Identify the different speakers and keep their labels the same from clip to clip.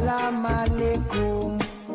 Speaker 1: Salam alaikum.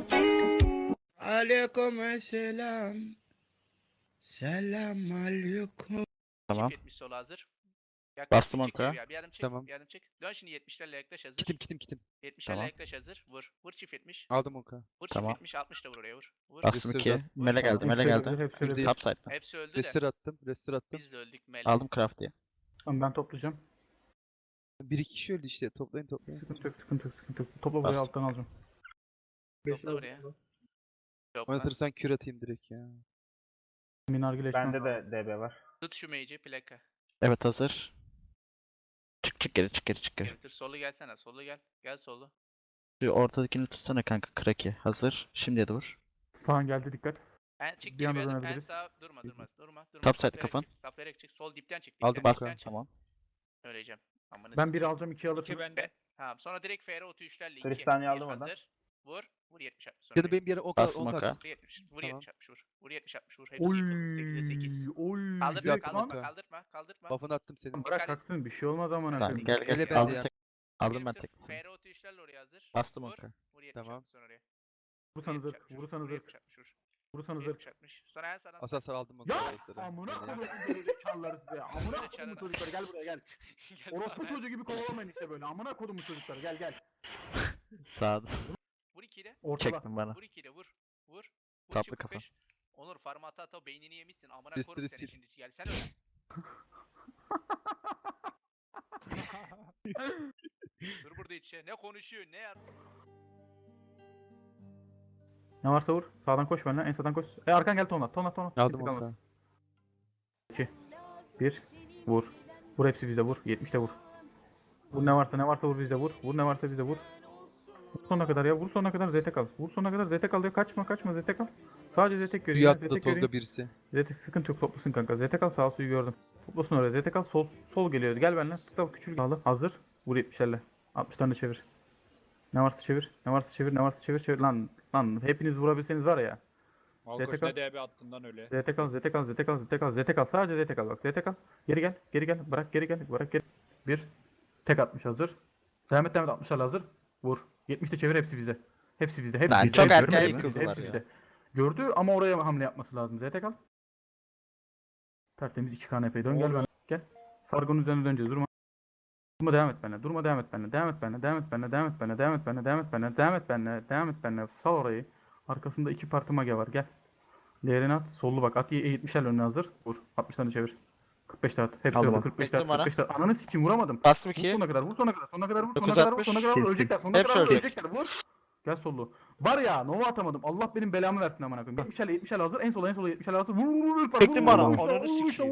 Speaker 2: Aleykümselam. Selam aleyküm.
Speaker 3: Tamam.
Speaker 4: Çift 70 sola hazır.
Speaker 3: Bastım
Speaker 4: çık
Speaker 3: onka.
Speaker 4: geriye. Bir adım çık.
Speaker 5: Tamam.
Speaker 4: Bir adım çık. Dön şimdi 70'lerle yaklaş hazır.
Speaker 5: Kitim.
Speaker 4: 70'lerle
Speaker 3: Tamam.
Speaker 4: yaklaş hazır. Vur. Vur çift 70.
Speaker 5: Aldım onka.
Speaker 4: Vur
Speaker 3: Tamam.
Speaker 4: çift 70. 60 da vur oraya vur. Vur.
Speaker 3: Bastım
Speaker 5: Restore
Speaker 3: 2.
Speaker 5: attım.
Speaker 3: Mele geldi, mele geldi.
Speaker 5: Hepsi
Speaker 3: Subside'den.
Speaker 4: Hepsi öldü de.
Speaker 5: Restore attım.
Speaker 4: Biz de öldük Mele.
Speaker 3: Aldım Crafty'yi.
Speaker 6: Tamam ben toplayacağım.
Speaker 5: Bir iki kişi öldü işte. Toplayın.
Speaker 6: Sıkıntı yok. Topla burayı
Speaker 3: Bas.
Speaker 6: alttan alacağım.
Speaker 4: Topla oraya. Topla.
Speaker 5: Oynatırsan kür atayım direkt ya.
Speaker 6: Minargile
Speaker 7: Bende de DB var.
Speaker 4: Tut şu mage'i plaka.
Speaker 3: Evet hazır. Çık geri.
Speaker 4: Getir. Solu gelsene. Solu gel. Gel solu.
Speaker 3: Şu ortadakini tutsana kanka. Kraki. Hazır. Şimdiye de vur.
Speaker 6: Falan geldi dikkat.
Speaker 4: En çık
Speaker 6: Bir
Speaker 4: geri
Speaker 6: anda
Speaker 4: bir adım. En
Speaker 6: dönebiliriz.
Speaker 4: sağa. Durma.
Speaker 3: Top side
Speaker 4: Taplayarak
Speaker 3: kafan.
Speaker 4: çık, taplayarak çık. Sol dipten çık.
Speaker 5: Aldım
Speaker 4: Dipten,
Speaker 5: bak,
Speaker 4: dipten çık.
Speaker 3: Tamam.
Speaker 4: Öleceğim. Amına
Speaker 6: Ben
Speaker 4: sikeyim.
Speaker 6: biri alacağım 2 alırsın.
Speaker 7: İki bende.
Speaker 4: Tamam. Sonra direkt FR 33'lerle 2.
Speaker 7: Kristaliye aldım oradan.
Speaker 4: Hazır. Vur. Vur 70 60. Sonra
Speaker 5: Canım benim bir yere 10
Speaker 3: Bastım
Speaker 5: kadar.
Speaker 3: onka.
Speaker 4: Vur 70. Vur
Speaker 5: Tamam.
Speaker 4: 70 60 vur. Vur 70 60 vur. Hepsi
Speaker 6: Oy.
Speaker 4: yıkıldı. 8'e 8.
Speaker 6: Oy.
Speaker 4: Kaldırma
Speaker 5: Direkt
Speaker 4: kaldırma
Speaker 5: kanka.
Speaker 4: kaldırma.
Speaker 5: Buff'ını attım senin.
Speaker 6: Bırak
Speaker 4: Dikkat et.
Speaker 6: kalksın bir şey olmaz amına
Speaker 3: Tamam
Speaker 6: koyayım.
Speaker 3: gel.
Speaker 5: Ele bende
Speaker 3: Aldım
Speaker 5: ya.
Speaker 3: tek. Aldım ben tek.
Speaker 4: FR 33'lerle oraya hazır.
Speaker 3: Bastım
Speaker 4: Vur.
Speaker 3: onka.
Speaker 4: Vur 70
Speaker 5: Tamam.
Speaker 4: 60 sonra oraya.
Speaker 6: Vursanız
Speaker 4: Vur
Speaker 6: zırh.
Speaker 4: 70
Speaker 6: Vursanız
Speaker 4: vur
Speaker 6: zırh.
Speaker 4: 70 60 vur.
Speaker 6: Vursanız zırh.
Speaker 4: 70 60. Sonra en sağdan.
Speaker 5: Asaslar aldım onka.
Speaker 6: Ya
Speaker 5: Asasları.
Speaker 6: amına
Speaker 5: Yani.
Speaker 6: koyduğum gerizekalıları size. Amına
Speaker 4: Böyle
Speaker 6: koyduğum
Speaker 4: çağırın.
Speaker 6: çocuklar gel buraya gel.
Speaker 4: Gel
Speaker 6: Orospu
Speaker 4: sana.
Speaker 6: çocuğu gibi kovalamayın işte böyle. Amına koydum çocuklar gel.
Speaker 3: Sağda.
Speaker 4: Vur 2 ile.
Speaker 6: Ortada.
Speaker 3: Çektim bana.
Speaker 4: Vur 2 ile vur. Vur. Vur
Speaker 3: Saplı
Speaker 4: çift
Speaker 3: kafa.
Speaker 4: 45. Onur farma ata beynini yemişsin. Amına
Speaker 5: Restore
Speaker 4: koyarım seni
Speaker 5: sil.
Speaker 4: şimdi. Gelsene öyle. Dur burada içe. Ne konuşuyor ne ya?
Speaker 6: Ne varsa vur. Sağdan koş benimle. En sağdan koş. Arkan gel tonla.
Speaker 5: Aldım
Speaker 6: Gittik
Speaker 5: onka.
Speaker 6: almaz. 1 vur. Vur hepsi bizde vur. 70 de vur. Vur ne varsa vur bizde vur. Vur ne varsa bizde vur. Vur sonuna kadar ya. Vur sonuna kadar ZT kal. Vur sonuna kadar ZT kal ya. Kaçma ZT kal. Sadece ZT
Speaker 5: Suyu
Speaker 6: göreyim.
Speaker 5: attı
Speaker 6: ZT
Speaker 5: Tolga
Speaker 6: göreyim.
Speaker 5: birisi.
Speaker 6: ZT sıkıntı yok toplasın kanka. ZT kal sağ suyu gördüm. Toplasın oraya. ZT kal sol geliyor. Gel benimle. Tıkla küçük bağlı. Hazır. Vur 70'lerle. 60 tane çevir. Ne varsa çevir. Lan hepiniz vurabilseniz var ya.
Speaker 7: Malkoç
Speaker 6: ZTK.
Speaker 7: ne DB attığından öyle.
Speaker 6: ZT kal. Sadece ZT kal bak. ZT kal. Geri gel. Bırak geri. 1 tek atmış hazır. Devam et 60'larla hazır. Vur. 70'te çevir hepsi bizde. Hepsi
Speaker 3: Lan
Speaker 6: bizde.
Speaker 3: çok erken
Speaker 6: Görmedin mi?
Speaker 3: yıkıldılar
Speaker 6: Hepsi
Speaker 3: ya.
Speaker 6: bizde. Gördü ama oraya hamle yapması lazım. ZT kal. Tertemiz 2 KNP'yi dön gel ben. Gel. Sargonun üzerine döneceğiz. Durma devam et benimle. Sal orayı. Arkasında 2 parti mage var. Gel. Değerini at. Sollu bak. At 70'ler önüne hazır. Vur. 60 tane çevir. 45 tane at. Hepsi
Speaker 3: Aldım
Speaker 6: öldü.
Speaker 3: onu.
Speaker 6: 45
Speaker 3: Bekledim
Speaker 6: tane at. 45 tane. Ananı sikim vuramadım.
Speaker 3: Bastım
Speaker 6: Vur
Speaker 3: 2.
Speaker 6: sonuna kadar. Sonuna kadar vur.
Speaker 3: 960.
Speaker 6: Ölecekler. Sonuna
Speaker 3: Hepsi
Speaker 6: kadar
Speaker 3: ölecek.
Speaker 6: ölecekler. Vur. Gel sollu. Var ya Nova atamadım. Allah benim belamı versin amına koyayım. 70'ler hazır. En sola 70'ler hazır. Vur.
Speaker 3: Çektim bana,
Speaker 6: Vur.
Speaker 3: ananı sikeyim.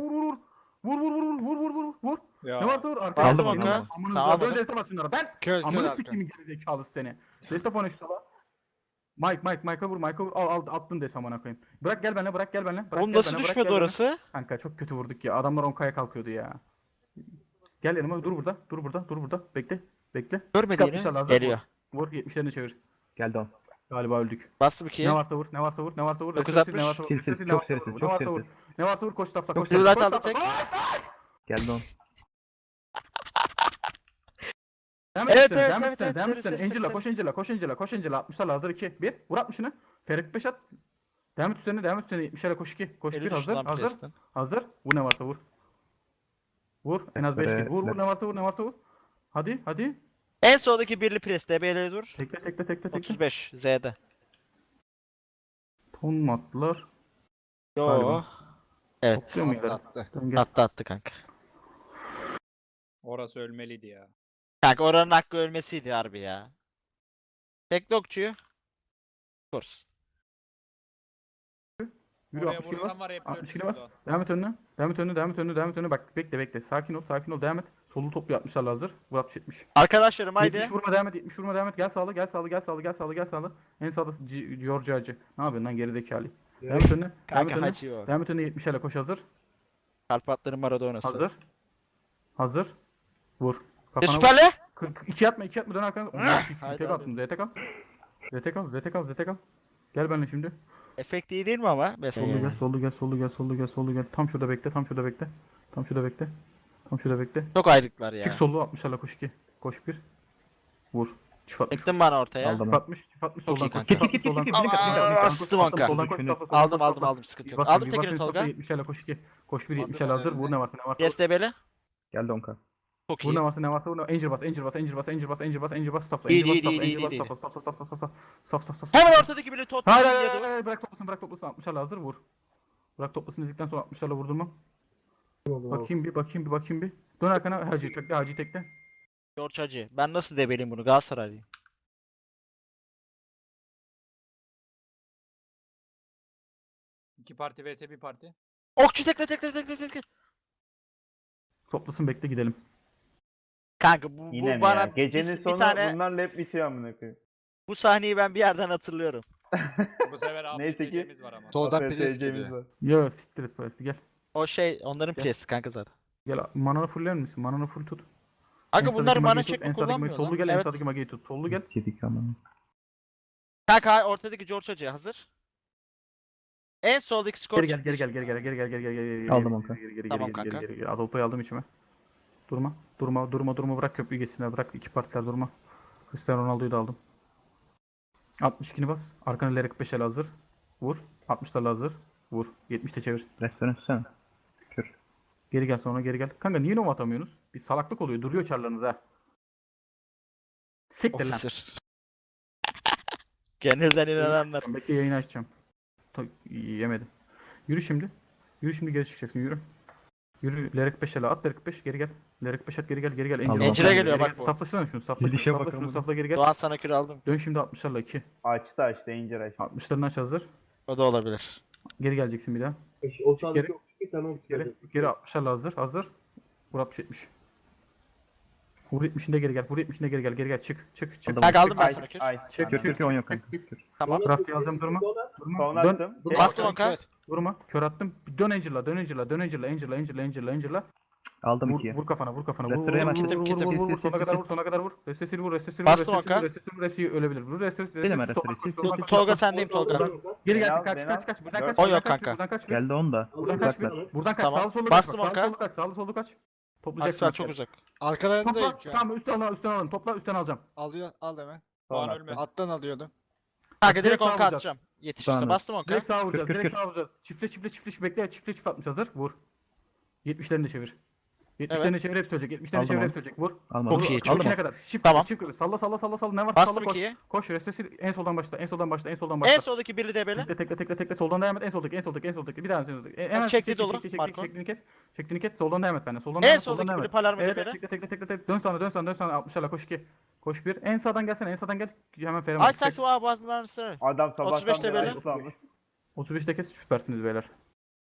Speaker 6: Vur.
Speaker 7: Ya.
Speaker 6: Ne varsa vur. Arkaya
Speaker 3: Aldım
Speaker 6: bak.
Speaker 3: onu.
Speaker 6: Amına
Speaker 3: Tamam,
Speaker 6: böyle
Speaker 3: aldım.
Speaker 6: destem at şunlara. Ben
Speaker 2: Köl
Speaker 6: amına sikeyim gerizekalı seni. Destek oyna şu sola. Mike'a vur. Al attın des amına koyayım. Bırak gel benimle. Bırak
Speaker 3: Oğlum
Speaker 6: gel
Speaker 3: nasıl
Speaker 6: benimle,
Speaker 3: düşmedi
Speaker 6: gel
Speaker 3: orası?
Speaker 6: Kanka çok kötü vurduk ya. Adamlar 10K'ya kalkıyordu ya. Gel yanıma dur burada. Bekle.
Speaker 3: Görmedi
Speaker 6: Çıkartmışlar
Speaker 3: yine.
Speaker 6: lazım.
Speaker 3: Geliyor.
Speaker 6: Vur 70'lerini çevir.
Speaker 7: Geldi on.
Speaker 6: Galiba öldük.
Speaker 3: Bastım 2.
Speaker 6: Ne varsa vur.
Speaker 3: 960.
Speaker 7: Sil, çok serisin, çok serisin.
Speaker 6: Ne varsa vur koş tafla.
Speaker 3: Çok serisin. Aldım tek.
Speaker 7: Geldi on.
Speaker 6: Devam
Speaker 3: Evet,
Speaker 6: et sen.
Speaker 3: seri.
Speaker 6: Angela koş Angela. 60'larla hazır 2. 1. Vur 60'ını. Ferik 5 at. Devam et üstlerine. 70'lere koş 2. Koş 1
Speaker 3: Eli düştü lan
Speaker 6: hazır.
Speaker 3: presten.
Speaker 6: Hazır. Vur ne varsa vur. Vur. En az 5 git. Vur ne varsa vur. Hadi.
Speaker 3: En soldaki birli pres. DB'ye dur.
Speaker 6: Tekle.
Speaker 3: 35. Z'de.
Speaker 6: Ton mu attılar?
Speaker 3: Yo.
Speaker 6: Galiba.
Speaker 3: Evet.
Speaker 6: Topluyor mu ileri?
Speaker 2: Attı.
Speaker 6: Dön gel.
Speaker 3: Attı kanka.
Speaker 7: Orası ölmeliydi ya.
Speaker 3: Kanka oranın hakkı ölmesiydi harbi ya. Tekli okçuyu. Kurs.
Speaker 6: Yürü
Speaker 7: Oraya
Speaker 6: 60 kilo bas.
Speaker 7: vursam var ya hepsi
Speaker 6: 60
Speaker 7: ölmüş
Speaker 6: kilo bas.
Speaker 7: oldu.
Speaker 6: Devam et önüne. Bak bekle. Sakin ol. Devam et. Solu toplu 60'larla hazır. Vur 60-70.
Speaker 3: Arkadaşlarım haydi.
Speaker 6: 70 vurma devam et. Gel sağlı. En sağda George Hacı. Ne yapıyorsun lan gerizekalı? Devam et önüne.
Speaker 3: Kanka hacı o.
Speaker 6: Devam et önüne 70'lerle koş hazır.
Speaker 3: Karpatların Maradona'sı.
Speaker 6: Hazır. Vur.
Speaker 3: Ve
Speaker 6: Kafana vur.
Speaker 3: süperle.
Speaker 6: 2 atma dön arkana.
Speaker 3: Haydi
Speaker 6: Tek
Speaker 3: abi.
Speaker 6: attım. ZT kal. Gel benimle şimdi.
Speaker 3: Efekt iyi değil mi ama? Mesela.
Speaker 6: Sollu gel. Tam şurada bekle.
Speaker 3: Çok ayrıklar ya.
Speaker 6: Çık sollu 60'larla koş 2. Koş 1. Vur. Çift atmış.
Speaker 3: Çektin bana ortaya.
Speaker 7: Aldım.
Speaker 6: Çift atmış. Çift atmış.
Speaker 3: Çok iyi
Speaker 6: Soldan koş.
Speaker 3: kanka.
Speaker 6: Çift atmış. Soldan koş.
Speaker 3: Aa, bastım onka.
Speaker 6: Soldan koş. Soldan koş.
Speaker 3: Aldım sıkıntı yok. Aldım tekini Tolga.
Speaker 6: 70'lerle koş 2. Koş 1 70'lerle hazır. Vur ne varsa ne varsa.
Speaker 3: Yes debeli.
Speaker 7: Geldi 10k.
Speaker 3: Çok
Speaker 6: Vur
Speaker 3: iyi.
Speaker 6: ne varsa ne varsa vur. Angel bas. Angel bas. Angel bas. Angel bas. Angel bas. Angel bas. Stopla.
Speaker 3: İyi,
Speaker 6: Angel bas.
Speaker 3: iyi,
Speaker 6: Stopla.
Speaker 3: iyi,
Speaker 6: Angel bas.
Speaker 3: iyi, iyi.
Speaker 6: Stop.
Speaker 3: Hemen ortadaki biri tot.
Speaker 6: Hayır hayır hayır. Bırak toplasın. Bırak toplasın. 60'larla hazır. Vur. Bırak toplasın dedikten sonra 60'larla vurdun mu? Bakayım bir. Dön arkana. Hacı tekle.
Speaker 3: George Hacı. Ben nasıl debeleyim bunu? Galatasaraylıyım.
Speaker 8: İki parti vs bir parti.
Speaker 3: Okçu tekle.
Speaker 6: Toplasın bekle gidelim.
Speaker 3: Kanka bu
Speaker 9: Yine mi
Speaker 3: bana
Speaker 9: ya? Gecenin
Speaker 3: bir
Speaker 9: sonu
Speaker 3: tane
Speaker 9: bunlarla hep bitiyor amına koyayım.
Speaker 3: bu sahneyi ben bir yerden hatırlıyorum.
Speaker 8: Bu sefer
Speaker 9: Neyse ki-
Speaker 8: APSC'miz var ama.
Speaker 1: Soldan
Speaker 9: APSC'miz
Speaker 1: pres geliyor.
Speaker 9: var.
Speaker 6: Ya siktir et parası gel.
Speaker 3: O şey onların
Speaker 6: Gel.
Speaker 3: presi kanka zaten.
Speaker 6: Gel mananı fuller misin? Mananı full tut.
Speaker 3: Kanka
Speaker 6: En
Speaker 3: bunlar
Speaker 6: sağdaki
Speaker 3: mana
Speaker 6: mageyi
Speaker 3: çek
Speaker 6: tut, en
Speaker 3: mi
Speaker 6: sağdaki mageyi-
Speaker 3: kullanmıyor
Speaker 6: Sollu
Speaker 3: lan?
Speaker 6: gel en
Speaker 3: Evet.
Speaker 6: sağdaki mageyi tut. Sollu gel.
Speaker 7: Yedik ama.
Speaker 3: Kanka ortadaki George Hacı hazır. En soldaki skor
Speaker 6: Geri gel.
Speaker 7: Aldım onka.
Speaker 3: Tamam kanka.
Speaker 6: Geri. Adolfo'yu aldım içime. Durma. Bırak köprüyü geçsinler. Bırak iki partiler durma. Cristiano Ronaldo'yu da aldım. 62'ni bas. Arkana ileri 45 el hazır. Vur. 60'larla hazır. Vur. 70'te çevir.
Speaker 7: Restoran üstsene. Kür.
Speaker 6: Geri gel sonra geri gel. Kanka niye nova atamıyorsunuz? Bir salaklık oluyor. Duruyor çarlarınız ha. Siktir lan.
Speaker 3: Officer. Gönülden inananlar.
Speaker 6: Bekle yayını açacağım. Yemedim. Yürü şimdi geri çıkacaksın yürü. Yürü Lerek 5 ele at Lerek 5 geri gel. Lerek 5 at geri gel.
Speaker 7: Tamam.
Speaker 3: Encire geliyor bak bu.
Speaker 6: Saflaşsana şunu
Speaker 7: Gidişe
Speaker 6: safla
Speaker 7: bakalım.
Speaker 6: şunu safla geri gel.
Speaker 3: Doğan sana kür aldım.
Speaker 6: Dön şimdi 60'larla 2.
Speaker 9: Açtı Danger açtı.
Speaker 6: 60'larını aç hazır.
Speaker 3: O da olabilir.
Speaker 6: Geri geleceksin bir daha.
Speaker 10: O sağdaki
Speaker 6: Geri-
Speaker 10: okçu tamam.
Speaker 6: Geri 60'larla hazır. Vur 60-70. Vur 70'inde geri gel. Çık.
Speaker 3: Kanka aldım ben
Speaker 9: Ay,
Speaker 3: sana kür.
Speaker 9: ay.
Speaker 6: Çek,
Speaker 7: Kür 10 yok kanka. Kür.
Speaker 3: Tamam.
Speaker 6: Rafti alacağım durma.
Speaker 9: Son
Speaker 6: Dön.
Speaker 9: attım.
Speaker 3: Bastım onka.
Speaker 6: Durma. Kör attım. Dön Angel'la.
Speaker 7: Aldım
Speaker 6: Vur,
Speaker 7: 2'ye.
Speaker 6: vur kafana.
Speaker 7: Restore hemen
Speaker 3: Kitim,
Speaker 6: Vur,
Speaker 3: kitim.
Speaker 6: vur, vur,
Speaker 7: Sil,
Speaker 6: Sona
Speaker 7: sil,
Speaker 6: kadar
Speaker 7: sil.
Speaker 6: vur. Sona kadar vur. Restesini vur.
Speaker 3: Bastım onka.
Speaker 6: Restesini ölebilir. Vur restesini.
Speaker 7: Benim restore, sil, sil.
Speaker 3: Tolga sendeyim Tolga.
Speaker 6: Geri
Speaker 9: Beni
Speaker 6: gel.
Speaker 9: al,
Speaker 6: Kaç.
Speaker 9: beni al.
Speaker 6: Buradan
Speaker 9: Dört.
Speaker 6: kaç.
Speaker 3: O yok kanka.
Speaker 6: Buradan kaç.
Speaker 7: Geldi 10 da.
Speaker 6: Buradan kaç.
Speaker 7: Uzaklar.
Speaker 6: Buradan kaç.
Speaker 3: Tamam.
Speaker 6: Sağlı sollu
Speaker 3: Bastım
Speaker 6: kaç.
Speaker 3: onka.
Speaker 6: Sağlı sollu kaç. Toplayacaksın.
Speaker 3: Aksel çok uzak.
Speaker 1: Arkalarındayım
Speaker 6: Topla.
Speaker 1: şu an.
Speaker 6: Tamam üstten alalım. Topla üstten alacağım.
Speaker 1: Al hemen.
Speaker 9: Son
Speaker 8: Puan ölme.
Speaker 9: attım.
Speaker 1: Alttan alıyordum.
Speaker 3: Kanka
Speaker 6: Direkt
Speaker 3: direkt onka
Speaker 6: sağlayacağız.
Speaker 3: atacağım. Yetişirse
Speaker 7: Tamam.
Speaker 3: bastım onka.
Speaker 6: Direkt sağa vuracağız.
Speaker 7: Kür,
Speaker 6: Direkt
Speaker 7: kür.
Speaker 6: sağa vuracağız. Çiftle bekle. Çift atmış hazır. Vur. 70'lerini de çevir. 70'lerini çevir hep söyleyecek. 70'lerini
Speaker 7: Aldım
Speaker 6: çevir
Speaker 7: onu.
Speaker 6: hep söyleyecek. Vur.
Speaker 7: Almadım.
Speaker 3: Çok iyi,
Speaker 6: Vur,
Speaker 3: çok
Speaker 6: içine
Speaker 3: iyi.
Speaker 6: kadar. Çift
Speaker 3: Tamam.
Speaker 6: Çift salla. Ne varsa
Speaker 3: Bastım
Speaker 6: salla koş.
Speaker 3: 2'ye.
Speaker 6: Koş restesi en soldan başla. En soldan başla.
Speaker 3: En soldaki biri debeli.
Speaker 6: Tekle soldan devam et. En soldaki. Bir daha en soldaki. Hemen
Speaker 3: çekti dolu, Marco.
Speaker 6: Çektiğini kes. Soldan devam et bende. Soldan
Speaker 3: En
Speaker 6: devam et.
Speaker 3: soldaki
Speaker 6: devam
Speaker 3: biri
Speaker 6: et.
Speaker 3: Palermo
Speaker 6: Evet,
Speaker 3: debeli.
Speaker 6: tekle. Dön sana. 60'larla koş 2. Koş 1. En sağdan gel. Hemen Ferhan.
Speaker 3: Ay saksı var boğazından ısırır.
Speaker 9: Adam
Speaker 3: 35'te
Speaker 9: sabahtan beri
Speaker 3: böyle.
Speaker 9: ayıklanmış.
Speaker 6: 35'te kes süpersiniz beyler.